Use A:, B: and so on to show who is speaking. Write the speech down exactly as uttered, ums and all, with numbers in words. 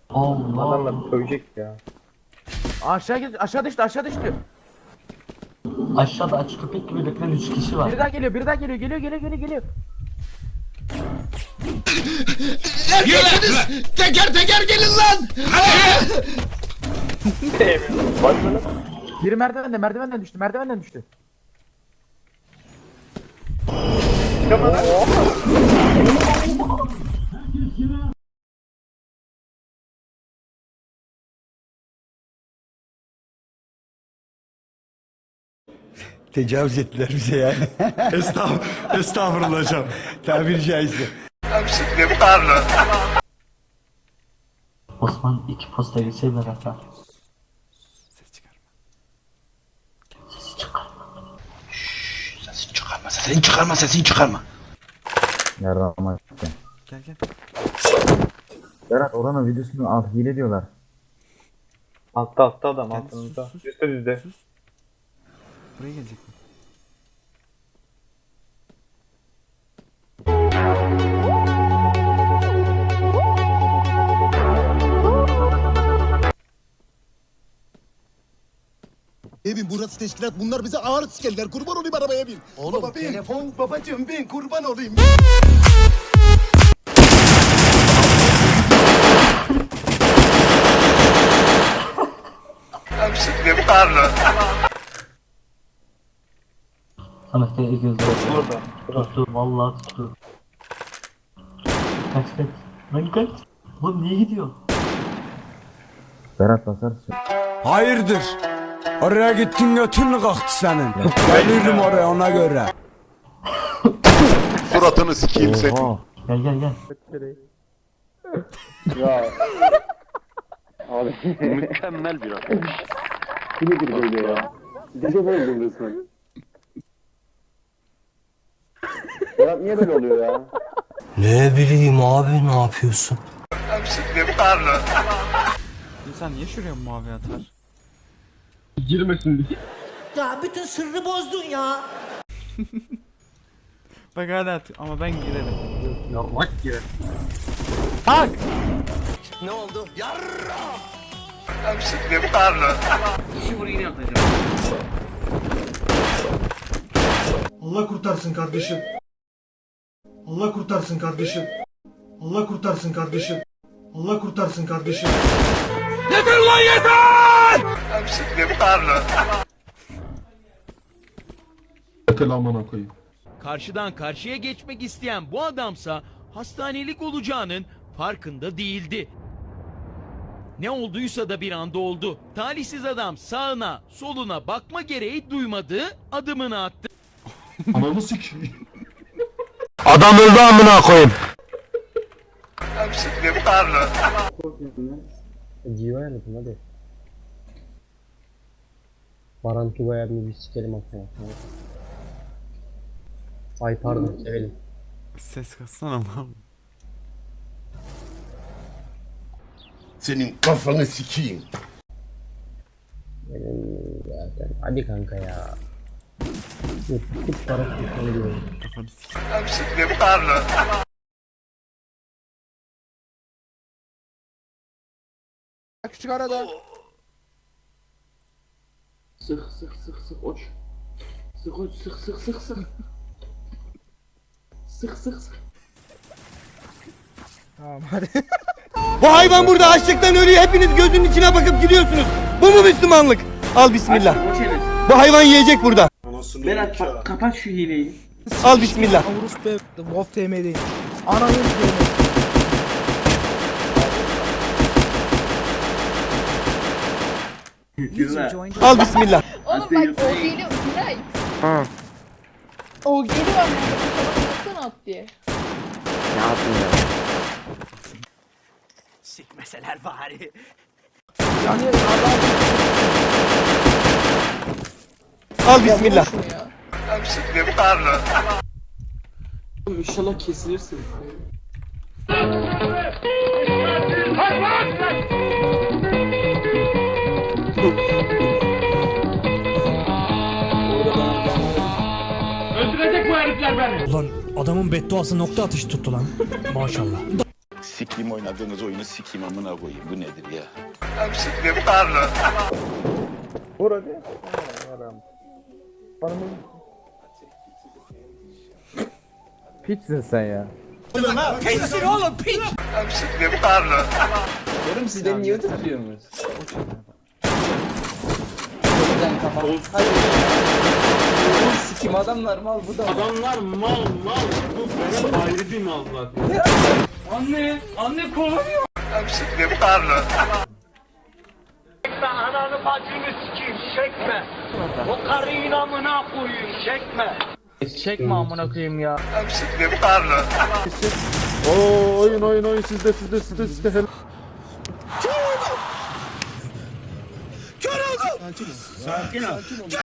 A: Allah.
B: Adamlar sövecek ya.
C: Aşağı git, aşağı düştü, aşağı düştü.
A: Aşağıda aç köpek gibi bekleyen üç kişi var.
C: Biri daha geliyor, biri daha geliyor, geliyor, geliyor, geliyor, geliyor.
D: Erkeksiniz! Teker teker gelin lan!
B: Başlanıp
C: Biri merdivende, merdivenden düştü, merdivenden düştü.
B: çıkamadan.
E: Tecavüz ettiler bize yani. Estağfurullah, estağfurullah hocam. Tabiri caizse.
A: Osman iki posta geçeyim beraber.
E: Ses çıkarma.
A: Sesi çıkarma.
D: Sesini çıkarma, sesini çıkarma, sesini çıkarma.
F: Nereden ama gel.
E: Gel gel.
F: Berat oranın videosunu al hile diyorlar.
B: Altta altta adam
E: Gel,
B: altınızda.
E: sus, sus.
B: Üstte düzde.
E: Sus. Buraya gelecek mi?
G: Evin burası teşkilat, bunlar bize ağır sikerler. Kurban olayım arabaya bin. Oğlum Baba, bin. Telefon babacığım bin, kurban olayım.
A: Samet de ilgili
B: Burada.
A: tuttu. Vallahi tuttu. Kaç kaç. Lan kaç. Oğlum niye gidiyor?
F: Berat basarsın.
E: Hayırdır? Oraya gittin götün mü kalktı senin? Gelirim oraya ona göre.
D: Suratını sikeyim seni.
F: Oha.
A: Gel gel gel.
B: Ya. Abi.
D: Mükemmel bir adam.
B: Bu nedir böyle ya? Gece böyle resmen. Ya niye böyle oluyor ya?
H: Ne bileyim abi ne yapıyorsun?
E: İnsan niye şuraya mavi atar?
H: Ya bütün sırrı bozdun ya.
E: Bak hadi at ama ben girerim.
B: Yarrak girer.
E: Bak!
H: Ne oldu?
G: Allah kurtarsın kardeşim. Allah kurtarsın kardeşim. Allah kurtarsın kardeşim. Allah kurtarsın kardeşim.
D: Yeter lan yeter!
I: Karşıdan karşıya geçmek isteyen bu adamsa hastanelik olacağının farkında değildi. Ne olduysa da bir anda oldu. Talihsiz adam sağına, soluna bakma gereği duymadı, adımını attı.
D: Adam öldü amına koyayım.
B: Civa yanıtım hadi. Baran Tugay'a bir sikelim atma. Ay pardon sevelim.
E: Ses kassana ama.
G: Senin kafanı sikeyim.
B: Benim zaten. Hadi kanka ya. Tut para kurtarı diyorum.
E: Kafanı sik.
C: Küçük arada.
B: Sık sık sık sık uç. Sık uç sık sık sık sık. Sık sık sık.
C: Tamam hadi.
E: Bu hayvan burada açlıktan ölüyor. Hepiniz gözünün içine bakıp gidiyorsunuz. Bu mu Müslümanlık? Al bismillah. Bu hayvan yiyecek burada.
B: Berat kapat şu hileyi.
E: Al bismillah.
C: Avrusu be, Wolf T M'deyim. Ananı s**eyim.
E: Al bismillah.
J: Oğlum bak o geliyor Miray.
B: Ha.
J: O geliyor ama baksana at diye.
B: Ne yapayım ya?
H: Sikmeseler bari.
C: Yani adam
E: Al bismillah.
J: Şunu ya.
B: İnşallah kesilirsin.
H: Ulan adamın bedduası nokta atışı tuttu lan. Maşallah.
D: Sikeyim oynadığınız oyunu sikeyim amına koyayım. Bu nedir ya?
B: Vur hadi.
C: Piçsin sen ya.
I: Pissin oğlum piç.
B: Oğlum siz beni niye tutuyorsunuz? Sikim adamlar mal bu da.
E: Adamlar mal mal. Bu benim ayrı bir mal zaten. Anne, anne kovalıyor.
H: Ananı bacını sikeyim çekme. O karıyı amına koyayım çekme.
C: Çekme amına koyayım ya.
F: Oo oyun oyun oyun sizde sizde sizde sizde.
E: Kör oldum. Sakin ol.